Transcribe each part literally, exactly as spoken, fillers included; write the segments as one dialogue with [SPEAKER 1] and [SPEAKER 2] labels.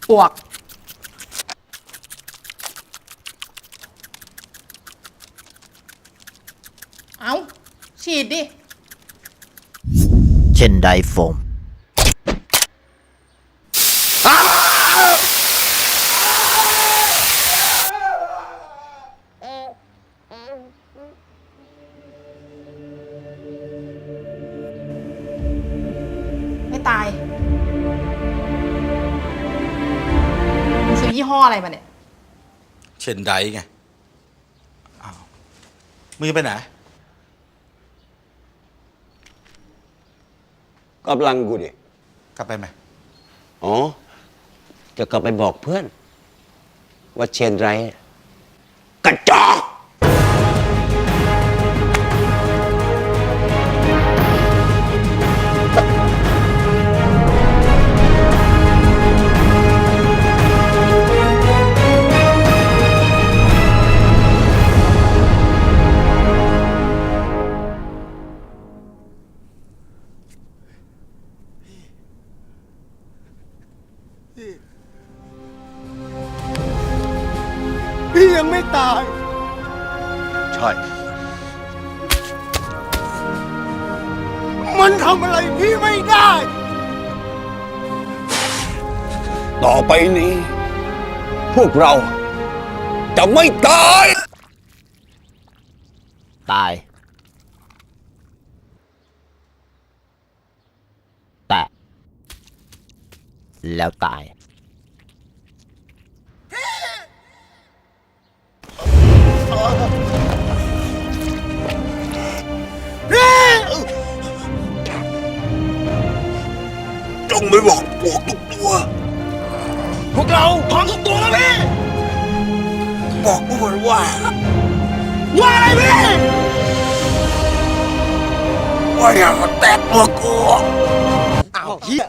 [SPEAKER 1] ปวกเอาฉีดดิ
[SPEAKER 2] เช่นไดโฟม
[SPEAKER 1] ไม่ตายมึงซื้อยี่ห้ออะไรมาเนี่ย
[SPEAKER 3] เช่นไดไงอ้าวมึงจะไปไหน
[SPEAKER 4] กำลังกูดิ
[SPEAKER 3] กลับไปไหม
[SPEAKER 4] อ๋อ จะกลับไปบอกเพื่อน ว่าเชนไรกระจอกพี่ยังไม่ตาย
[SPEAKER 3] ใช่
[SPEAKER 4] มันทำอะไรพี่ไม่ได้ ต่อไปนี้ พวกเราจะไม่ตาย
[SPEAKER 2] ตายแต่แล้วตาย
[SPEAKER 4] จงไม่บอกพวกทุกตัว พวกเราพร้อมทุกตัวแล้วพี่ บอกพวกมันว่า ว่าอะไรพี่ ว่าอย่ามาแตะตัวกูอ้าวเฮีย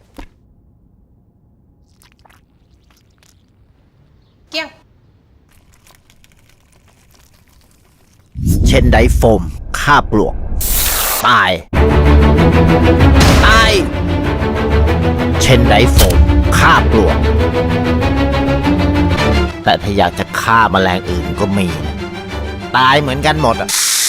[SPEAKER 1] เกี้ยง
[SPEAKER 2] เช่นไดโฟมฆ่าปลวกตายตายเช่นไดโฟมฆ่าปลวกแต่ถ้าอยากจะฆ่าแมลงอื่นก็มีนะตายเหมือนกันหมดอ่ะ